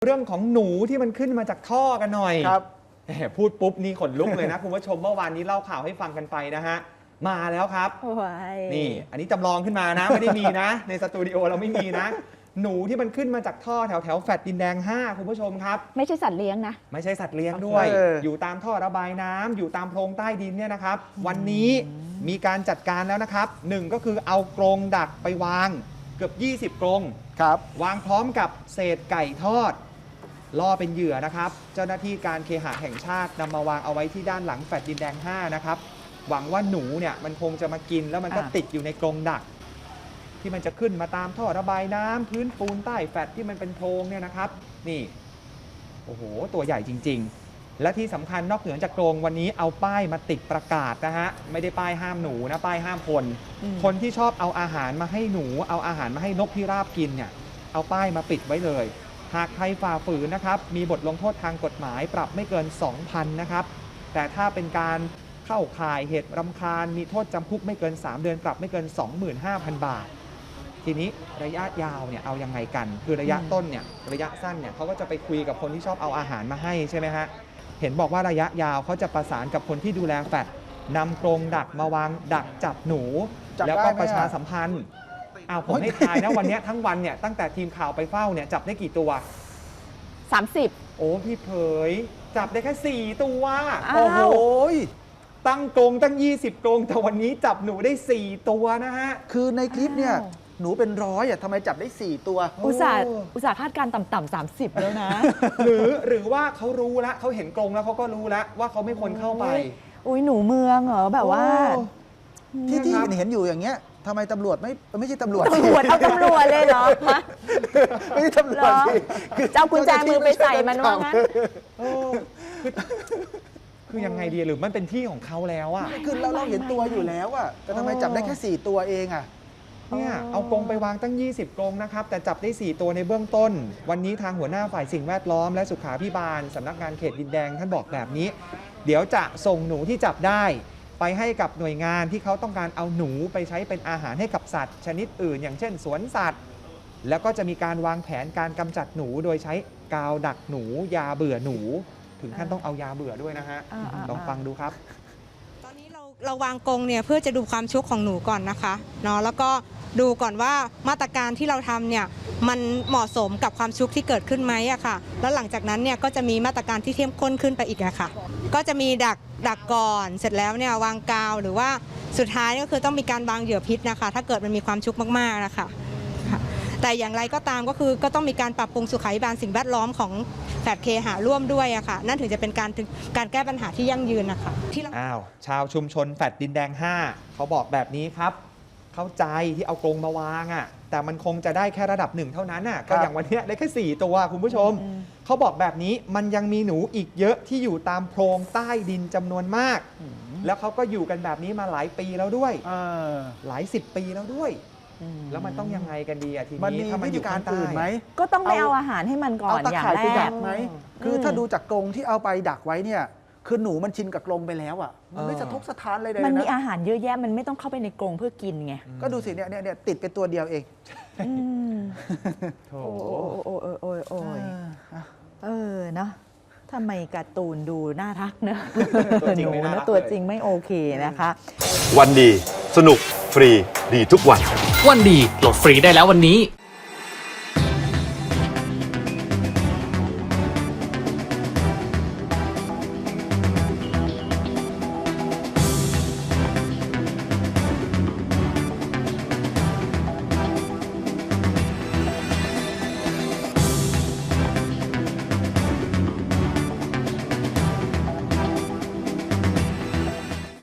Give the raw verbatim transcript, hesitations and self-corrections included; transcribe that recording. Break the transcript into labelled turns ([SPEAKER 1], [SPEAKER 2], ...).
[SPEAKER 1] เรื่องของหนูที่มันขึ้นมาจากท่อกันหน่อย
[SPEAKER 2] ครับ
[SPEAKER 1] พูดปุ๊บนี่ขนลุกเลยนะ คุณผู้ชมเมื่อวานนี้เล่าข่าวให้ฟังกันไปนะฮะมาแล้วครับนี่อันนี้จำลองขึ้นมานะ ไม่ได้มีนะ ในสตูดิโอเราไม่มีนะ หนูที่มันขึ้นมาจากท่อแถวแถวแฟลตดินแดงห้าคุณผู้ชมครับ
[SPEAKER 3] ไม่ใช่สัตว์เลี้ยงนะ
[SPEAKER 1] ไม่ใช่สัตว์เลี้ยงด้วย อยู่ตามท่อระบายน้ำอยู่ตามโพรงใต้ดินเนี่ยนะครับวันนี้มีการจัดการแล้วนะครับหนึ่งก็คือเอากรงดักไปวางเกือบยี่สิบกรง
[SPEAKER 2] ครับ
[SPEAKER 1] วางพร้อมกับเศษไก่ทอดล่อเป็นเหยื่อนะครับเจ้าหน้าที่การเคหะแห่งชาตินำมาวางเอาไว้ที่ด้านหลังแฟลตดินแดงห้านะครับหวังว่าหนูเนี่ยมันคงจะมากินแล้วมันก็ติดอยู่ในกรงดักที่มันจะขึ้นมาตามท่อระบายน้ำพื้นปูนใต้แฟลตที่มันเป็นโพรงเนี่ยนะครับนี่โอ้โหตัวใหญ่จริงๆและที่สำคัญนอกเหนือจากกรงวันนี้เอาป้ายมาติดประกาศนะฮะไม่ได้ป้ายห้ามหนูนะป้ายห้ามคนคนที่ชอบเอาอาหารมาให้หนูเอาอาหารมาให้นกพิราบกินเนี่ยเอาป้ายมาปิดไว้เลยหากใครฝ่าฝืนนะครับมีบทลงโทษทางกฎหมายปรับไม่เกิน สองพัน นะครับแต่ถ้าเป็นการเข้าข่ายเหตุรำคาญมีโทษจำคุกไม่เกินสามเดือนปรับไม่เกิน สองหมื่นห้าพัน บาททีนี้ระยะยาวเนี่ยเอายังไงกันคือระยะต้นเนี่ยระยะสั้นเนี่ยเขาก็จะไปคุยกับคนที่ชอบเอาอาหารมาให้ใช่ไหมฮะเห็นบอกว่าระยะยาวเขาจะประสานกับคนที่ดูแลแฟลตนำกรงดักมาวางดักจับหนูแล้วก็ประชาสัมพันธ์อ้าวผมให้ทายนะวันนี้ทั้งวันเนี่ยตั้งแต่ทีมข่าวไปเฝ้าเนี่ยจับได้กี่ตัว
[SPEAKER 3] สามสิบ
[SPEAKER 1] โอ้พี่เผยจับได้แค่สี่ตัว
[SPEAKER 2] โอ้โห
[SPEAKER 1] ตั้งกรงตั้งยี่สิบกรงแต่วันนี้จับหนูได้สี่ตัวนะฮะ
[SPEAKER 2] คือในคลิปเนี่ยหนูเป็นร้อยอ่ะทำไมจับได้สี่ตัว
[SPEAKER 3] อุตส่าห์อุตส่าห์คาดการต่ำๆสามสิบแล้วนะ
[SPEAKER 1] หรือหรือว่าเขารู้แล้วเขาเห็นกรงแล้วเขาก็รู้แล้วว่าเขาไม่ควรเข้าไป
[SPEAKER 3] อุ้ยหนูเมืองเหรอแบบว่า
[SPEAKER 2] ที่ที่เห็นอยู่อย่างเงี้ยทำไมตำรวจไม่ไม่ใช่ตำรวจ
[SPEAKER 3] ตำรวจเอาตำรวจเลยเหรอ
[SPEAKER 2] ไม่ใช่ตำรวจ
[SPEAKER 3] คือเจ้ากุญแจมือไปใส่มันว่างั้น
[SPEAKER 1] คือยังไงดีหรือมันเป็นที่ของเขาแล้วอ่ะ
[SPEAKER 2] คือเราเราเห็นตัวอยู่แล้วอ่ะแต่ทำไมจับได้แค่สี่ตัวเองอ่ะ
[SPEAKER 1] เนี่ยเอากรงไปวางตั้งยี่สิบกรงนะครับแต่จับได้สี่ตัวในเบื้องต้นวันนี้ทางหัวหน้าฝ่ายสิ่งแวดล้อมและสุขาภิบาลสำนักงานเขตดินแดงท่านบอกแบบนี้เดี๋ยวจะส่งหนูที่จับได้ไปให้กับหน่วยงานที่เขาต้องการเอาหนูไปใช้เป็นอาหารให้กับสัตว์ชนิดอื่นอย่างเช่นสวนสัตว์แล้วก็จะมีการวางแผนการกำจัดหนูโดยใช้กาวดักหนูยาเบื่อหนูถึงขั้นต้องเอายาเบื่อด้วยนะฮะลองฟังดูครับ
[SPEAKER 4] ตอนนี้เราเราวางกรงเนี่ยเพื่อจะดูความชุกของหนูก่อนนะคะเนาะแล้วก็ดูก่อนว่ามาตรการที่เราทำเนี่ยมันเหมาะสมกับความชุกที่เกิดขึ้นไหมอะค่ะแล้วหลังจากนั้นเนี่ยก็จะมีมาตรการที่เข้มข้นขึ้นไปอีกอะค่ะก็จะมีดักดักก่อนเสร็จแล้วเนี่ยวางกาวหรือว่าสุดท้ายก็คือต้องมีการวางเหยื่อพิษนะคะถ้าเกิดมันมีความชุกมากๆนะคะแต่อย่างไรก็ตามก็คือก็ต้องมีการปรับปรุงสุขาภิบาลสิ่งแวดล้อมของแฟลตเคหะร่วมด้วยอะค่ะนั่นถึงจะเป็นการการแก้ปัญหาที่ยั่งยืนนะคะที่
[SPEAKER 1] อ้าวชาวชุมชนแฟลตดินแดงห้าเขาบอกแบบนี้ครับเข้าใจที่เอากรงมาวางอ่ะแต่มันคงจะได้แค่ระดับหนึ่งเท่านั้นน่ะก็อย่างวันนี้ได้แค่สี่ตัวคุณผู้ชมเขาบอกแบบนี้มันยังมีหนูอีกเยอะที่อยู่ตามโพรงใต้ดินจำนวนมากแล้วเขาก็อยู่กันแบบนี้มาหลายปีแล้วด้วยหลายสิบปีแล้วด้วยแล้วมันต้องยังไงกันดีอ่ะทีนี้ถ้ามันอยู่การอื่นไหม
[SPEAKER 3] ก็ต้องไปเอาอาหารให้มันก่อนอย่างแรก
[SPEAKER 2] ไหมคือถ้าดูจากกรงที่เอาไปดักไว้เนี่ยคือหนูมันชินกับกรงไปแล้วอ่ะมันไม่สะทกสะท้านเลยนะ
[SPEAKER 3] มันมีอาหารเยอะแยะมันไม่ต้องเข้าไปในกรงเพื่อกินไง
[SPEAKER 2] ก็ดูสิเนี่ยเนี่ยติดเป็นตัวเดียวเอง
[SPEAKER 3] โอ้โอ้โอ้โอ้โอ้เออเนาะทำไมการ์ตูนดูน่ารักเนอะหนูนะตัวจริงไม่โอเคนะคะ
[SPEAKER 5] วันดีสนุกฟรีดีทุกวัน
[SPEAKER 6] วันดีโหลดฟรีได้แล้ววันนี้